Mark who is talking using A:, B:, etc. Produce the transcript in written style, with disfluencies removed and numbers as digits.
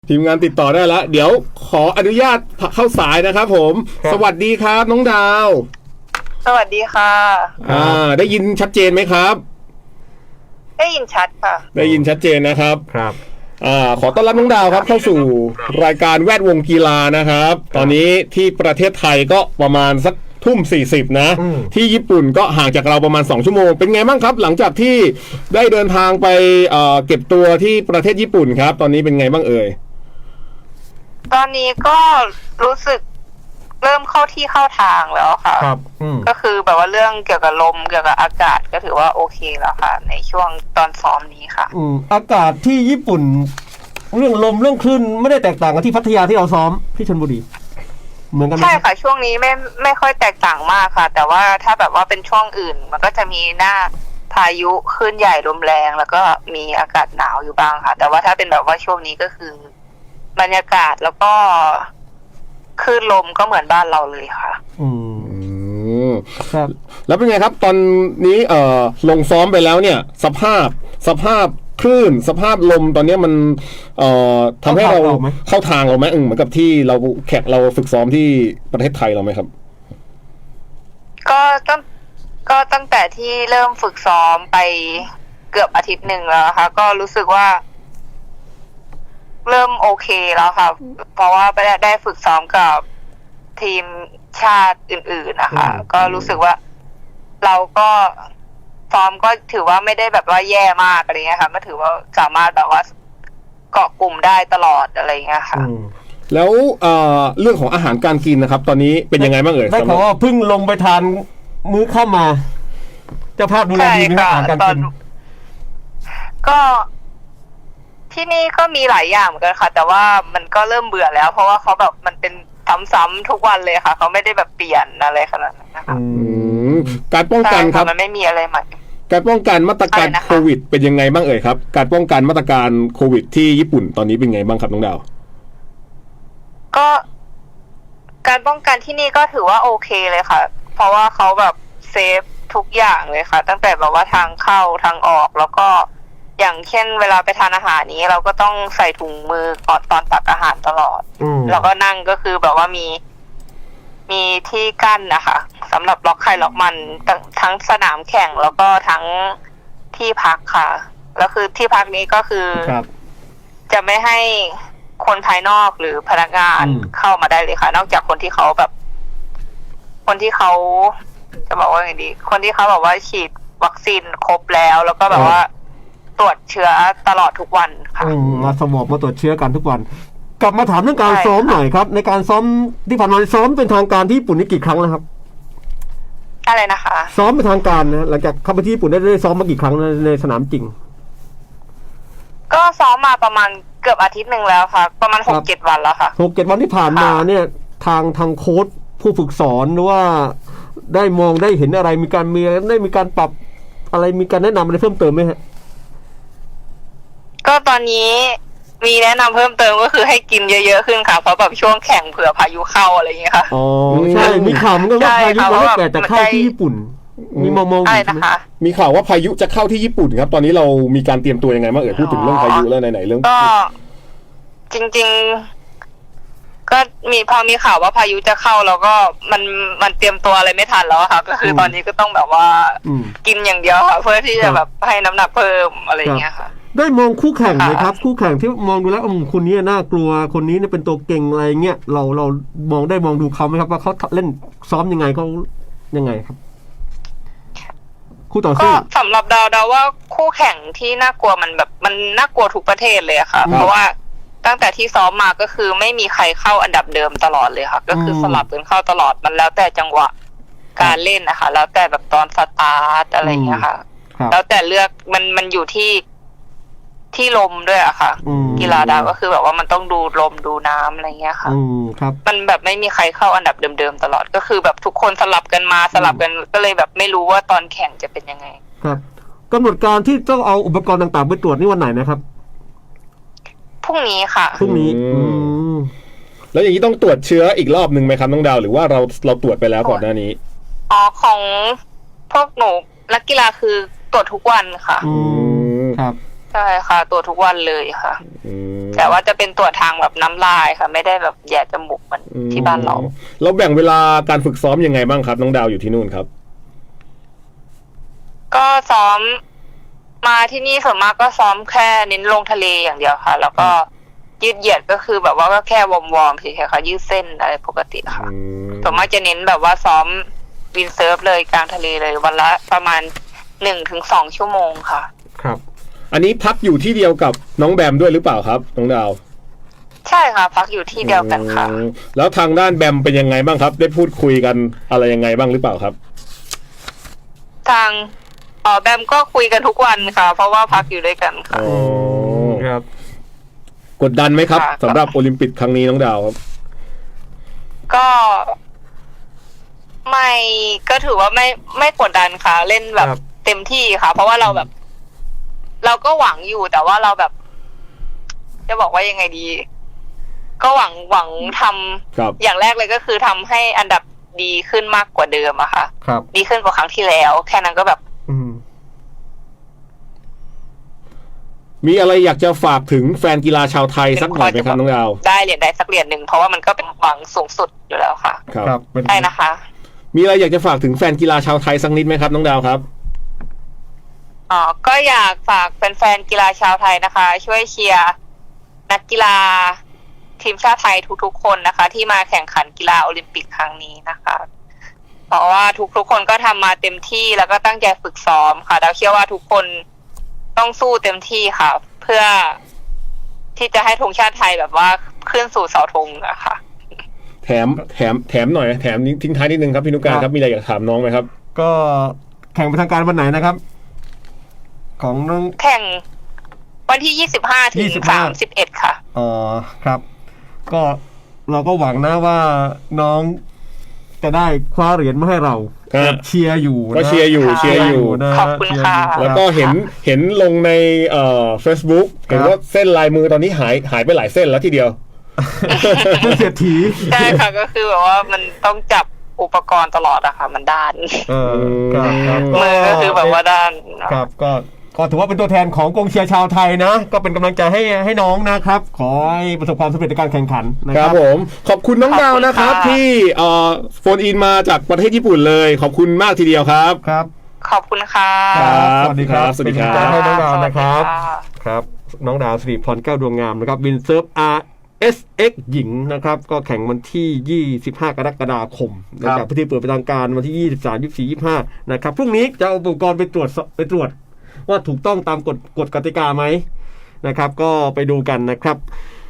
A: ทีมงานติดต่อได้แล้วเดี๋ยวขออนุญาตเข้าสายนะครับผมสวัสดีครับน้องดาว
B: สวัสดีค่ะ
A: ได้ยินชัดเจนไหมครับ
B: ได้ยินชัดค่ะ
A: ได้ยินชัดเจนนะครับ
C: ครับ
A: ขอต้อนรับน้องดาวครับเข้าสู่รายการแวดวงกีฬานะครับตอนนี้ที่ประเทศไทยก็ประมาณสักทุ่ม40นะที่ญี่ปุ่นก็ห่างจากเราประมาณ2ชั่วโมงเป็นไงบ้างครับหลังจากที่ได้เดินทางไปเก็บตัวที่ประเทศญี่ปุ่นครับตอนนี้เป็นไงบ้างเอ่ย
B: ตอนนี้ก็รู้สึกเริ่มเข้าที่เข้าทางแล้วค่ะ
C: ครับ
B: ก็คือแบบว่าเรื่องเกี่ยวกับลมเกี่ยวกับอากาศก็ถือว่าโอเคแล้วค่ะในช่วงตอนซ้อมนี้ค่ะ
C: อากาศที่ญี่ปุ่นเรื่องลมเรื่องคลื่นไม่ได้แตกต่างกับที่พัทยาที่เราซ้อมที่ชลบุรีเหมือนกันไหม
B: ใช่ค่ะช่วงนี้ไม่ค่อยแตกต่างมากค่ะแต่ว่าถ้าแบบว่าเป็นช่วงอื่นมันก็จะมีหน้าพายุคลื่นใหญ่ลมแรงแล้วก็มีอากาศหนาวอยู่บ้างค่ะแต่ว่าถ้าเป็นแบบว่าช่วงนี้ก็คือบรรยากาศแล้วก็คลื่นลมก็เหมือนบ้านเราเลยค่ะ
A: ครับแล้วเป็นไงครับตอนนี้ลงซ้อมไปแล้วเนี่ยสภาพคลื่นสภาพลมตอนนี้มันทำให้เราเข้าทางเราไหมเหมือนกับที่เราเราฝึกซ้อมที่ประเทศไทยเราไหมครับ
B: ก็ตั้งแต่ที่เริ่มฝึกซ้อมไปเกือบอาทิตย์หนึ่งแล้วค่ะก็รู้สึกว่าเริ่มโอเคแล้วค่ะเพราะว่าได้ฝึกซ้อมกับทีมชาติอื่นๆนะคะก็รู้สึกว่าเราก็ซ้อมก็ถือว่าไม่ได้แบบว่าแย่มากอะไรเงี้ยค่ะก็ถือว่าสามารถแบบว่าเกาะกลุ่มได้ตลอดอะไรเงี้ยค่ะ
A: แล้วเรื่องของอาหารการกินนะครับตอนนี้เป็นยังไงบ้างเอ่ย
C: ได้ข่าวว่าเพิ่งลงไปทานมื้อเข้ามาเจ้าภาพดูแลดีไหมอาหารการกิน
B: ก็ที่นี่ก็มีหลายอย่างเหมือนกันค่ะแต่ว่ามันก็เริ่มเบื่อแล้วเพราะว่าเขาแบบมันเป็นซ้ำๆทุกวันเลยค่ะเขาไม่ได้แบบเปลี่ยนอะไรขนาดนั้นนะคะ
A: การป้องกันครับ
B: มันไม่มีอะไรใหม่
A: การป้องกันมาตรการโควิดเป็นยังไงบ้างเอ่ยครับการป้องกันมาตรการโควิดที่ญี่ปุ่นตอนนี้เป็นไงบ้างครับน้องดาว
B: ก็การป้องกันที่นี่ก็ถือว่าโอเคเลยค่ะเพราะว่าเขาแบบเซฟทุกอย่างเลยค่ะตั้งแต่แบบว่าทางเข้าทางออกแล้วก็อย่างเช่นเวลาไปทานอาหารนี้เราก็ต้องใส่ถุงมือก่อนตอนตักอาหารตลอดแล้วก็นั่งก็คือแบบว่ามีที่กั้นนะคะสำหรับล็อกไข่ล็อกมันทั้งสนามแข่งแล้วก็ทั้งที่พักค่ะแล้วคือที่พักนี้ก็คือจะไม่ให้คนภายนอกหรือพนักงานเข้ามาได้เลยค่ะนอกจากคนที่เขาจะบอกว่าไงดีคนที่เขาบอกว่าฉีดวัคซีนครบแล้วก็แบบว่าตรวจเชื้อตลอดทุกวันค่ะ
C: มาสมอบมาตรวจเชื้อกันทุกวันกลับมาถามเรื่องการซ้อมหน่อยครับในการซ้อมที่ผ่านมาซ้อมเป็นทางการที่ญี่ปุ่นนี่กี่ครั้งแล้วครับ
B: อะไรนะคะ
C: ซ้อมเป็นทางการนะหลังจากเข้าไปที่ญี่ปุ่นได้ซ้อมมากี่ครั้งในสนามจริง
B: ก็ซ้อมมาประมาณเกือบอาทิตย์หนึ่งแล้วค่ะประมาณ 6-7 วันแล้วค่ะ
C: 6-7 วันที่ผ่านมาเนี่ยทางโค้ชผู้ฝึกสอนหรือว่าได้มองได้เห็นอะไรมีการปรับอะไรมีการแนะนำอะไรเพิ่มเติมไหมฮะ
B: ก็ตอนนี้มีแนะนำเพิ่มเติมก็คือให้กินเยอะๆขึ้นค่ะเพราะแบบช่วงแข่งเผื่อพายุเข้าอะไรอย่างเงี้ยค่ะ
C: อ๋อใช่มีข่าวมันก็ว่าพายุมันเกิดจากเข้าที่ญี่ปุ่นมีมอง
B: อะไรนะคะ
A: มีข่าวว่าพายุจะเข้าที่ญี่ปุ่นครับตอนนี้เรามีการเตรียมตัวยังไงบ้างพูดถึงเรื่องพายุแล้วไหนๆเรื่อง
B: ก็จริงๆก็พอมีข่าวว่าพายุจะเข้าแล้วก็มันเตรียมตัวอะไรไม่ทันแล้วค่ะก็คือตอนนี้ก็ต้องแบบว่ากินอย่างเดียวค่ะเพื่อที่จะแบบให้น้ำหนักเพิ่มอะไรอย่างเงี้ยค่ะ
C: ได้มองคู่แข่งไหมครับคู่แข่งที่มองดูแล้วคนนี้น่ากลัวคนนี้เนี่ยเป็นตัวเก่งอะไรเงี้ยเรามองดูเขาไหมครับว่าเขาเล่นซ้อมยังไงเขายังไงครับคู่ต่อสู้
B: ก็สำหรับดาวว่าคู่แข่งที่น่ากลัวมันแบบมันน่ากลัวทุกประเทศเลยค่ะเพราะว่าตั้งแต่ที่ซ้อมมาก็คือไม่มีใครเข้าอันดับเดิมตลอดเลยค่ะก็คือสลับกันเข้าตลอดมันแล้วแต่จังหวะการเล่นนะคะแล้วแต่แบบตอนสตาร์ทอะไรเงี้ยค่ะแล้วแต่เลือกมันอยู่ที่ลมด้วยอะค่ะกีฬาดาวก็คือแบบว่ามันต้องดูลมดูน้ำอะไรเงี้ยค่ะมันแบบไม่มีใครเข้าอันดับเดิมๆตลอดก็คือแบบทุกคนสลับกันมาสลับกันก็เลยแบบไม่รู้ว่าตอนแข่งจะเป็นยังไง
C: ครับกำหนดการที่ต้องเอาอุปกรณ์ต่างๆไปตรวจนี่วันไหนนะครับ
B: พรุ่งนี้ค่ะ
C: พรุ่งนี้
A: แล้วอย่างนี้ต้องตรวจเชื้ออีกรอบนึงไหมครับน้องดาวหรือว่าเราตรวจไปแล้วก่อนหน้านี้
B: ของพวกหนูนักกีฬาคือตรวจทุกวันค่ะ
C: ครับ
B: ใช่ค่ะตรวจทุกวันเลยค่ะ
A: อืม
B: แต่ว่าจะเป็นตรวจทางแบบน้ำลายค่ะ ไม่ได้แบบแย่จมูกเหมือนที่บ้านเรา
A: เราแบ่งเวลาการฝึกซ้อมยังไงบ้างครับน้องดาวอยู่ที่นู่นครับ
B: ก็ซ้อมมาที่นี่ส่วนมากก็ซ้อมแค่เน้นลงทะเลอย่างเดียวค่ะ แล้วก็ยืดเหยียดก็คือแบบว่าก็แค่วอร์มๆเฉยๆค่ะยืดเส้นอะไรปกติค่ะส่วนมากจะเน้นแบบว่าซ้อมวินเซิร์ฟเลยกลางทะเลเลยวันละประมาณ1-2 ชั่วโมงค่ะ
C: ครับ
A: อันนี้พักอยู่ที่เดียวกับน้องแบมด้วยหรือเปล่าครับน้องดาว
B: ใช่ค่ะ พักอยู่ที่เดียวกันค่ะ
A: แล้วทางด้านแบมเป็นยังไงบ้างครับ ได้พูดคุยกันอะไรยังไงบ้างหรือเปล่าครับ
B: ทางแบมก็คุยกันทุกวันค่ะ เพราะว่าพักอยู่ด้วยกันค่ะ
A: อ๋อ
C: ครับ
A: กดดันไหมครับ
B: ค่ะ
A: สำหรับโอลิมปิกครั้งนี้น้องดาวครับ
B: ก็ไม่ก็ถือว่าไม่กดดันค่ะ เล่นแบบ
C: ครับ
B: เต็มที่ค่ะ เพราะว่าเราแบบ เราก็หวังอยู่แต่ว่าเราแบบ จะบอกว่ายังไงดี ก็หวังทำ
A: ครับ
B: อย่างแรกเลยก็คือทำให้อันดับดีขึ้นมากกว่าเดิมอะค่ะ
C: ครับ
B: ดีขึ้นกว่าครั้งที่แล้ว แค่นั้นก็แบบ
C: อืม
A: มีอะไรอยากจะฝากถึงแฟนกีฬาชาวไทยสักหน่อยไหมครับน้องดาว
B: ได้เหรียญใดสักเหรียญหนึ่งเพราะว่ามันก็เป็นหวังสูงสุดอยู่แล้วค่ะ
A: ครับ
C: ครับเป็น
B: ใช่นะคะ
A: มีอะไรอยากจะฝากถึงแฟนกีฬาชาวไทยสักนิดไหมครับน้องดาวครับ
B: ก็อยากฝากแฟนๆกีฬาชาวไทยนะคะ ช่วยเชียร์นักกีฬาทีมชาติไทยทุกๆคนนะคะ ที่มาแข่งขันกีฬาโอลิมปิกครั้งนี้นะคะ เพราะว่าทุกคนก็ทำมาเต็มที่แล้วก็ตั้งใจฝึกซ้อมค่ะดาวเชื่อว่าทุกคนต้องสู้เต็มที่ค่ะ เพื่อที่จะให้ธงชาติไทยแบบว่าขึ้นสู่เสาธงอะค่ะ
A: แถมหน่อยแถมทิ้งท้ายนิดนึงครับพี่นุการครับมีอะไรอยากถามน้องไหมครับ
C: ก็แข่งเป็นทางการวันไหนนะครับ ของน้อง
B: แข่งวันที่25 ถึง 31 ค่ะ
C: อ๋อครับ ก็เราก็หวังนะว่าน้องจะได้คว้าเหรียญมาให้เรา
A: ครับ
C: เชียร์อยู่นะ
A: ก็เชียร์อยู่
C: นะ
B: ขอบคุณค่ะ
C: เชียร์อยู่
A: แล้วก็เห็นลงในFacebook เห็นว่าเส้นลายมือตอนนี้หายไปหลายเส้นแล้วทีเดียว
C: เป็นเศรษฐี
B: ใช่ค่ะก็คือแบบว่ามันต้องจับอุปกรณ์ตลอดอะค่ะ มันด้าน
C: เออครับ
B: มือก็คือแบบว่าด้าน
C: ครับก็ถือว่าเป็นตัวแทนของกองเชียร์ชาวไทยนะ ก็เป็นกำลังใจให้น้องนะครับ ขอให้ประสบความสำเร็จในการแข่งขันนะ
A: ค
C: ค
A: รั
C: รั
A: บบ ผมขอบคุณน้องดาวนะครับ ที่โฟนอินมาจากประเทศญี่ปุ่นเลย ขอบคุณมากทีเดียวครับ
C: ครับ
B: ขอบคุณค่ะ
A: ครับ
C: สวัสดีครับ
A: สวัสดีครับ
C: เป็นกำลังใจให้น้องดาวนะครับ
B: สวัสดีค่ะ
C: ครับน้องดาวสิริพรแก้วดวงงามนะครับวินเซิร์ฟ RSX หญิงนะครับ ก็แข่งวันที่ 25 กรกฎาคมนะครับพิธีเปิดเป็นทางการวันที่ 23 24 25 นะครับพรุ่งนี้จะเอาอุปกรณ์ไปตรวจว่าถูกต้องตามกฎกติกาไหมนะครับ ก็ไปดูกันนะครับ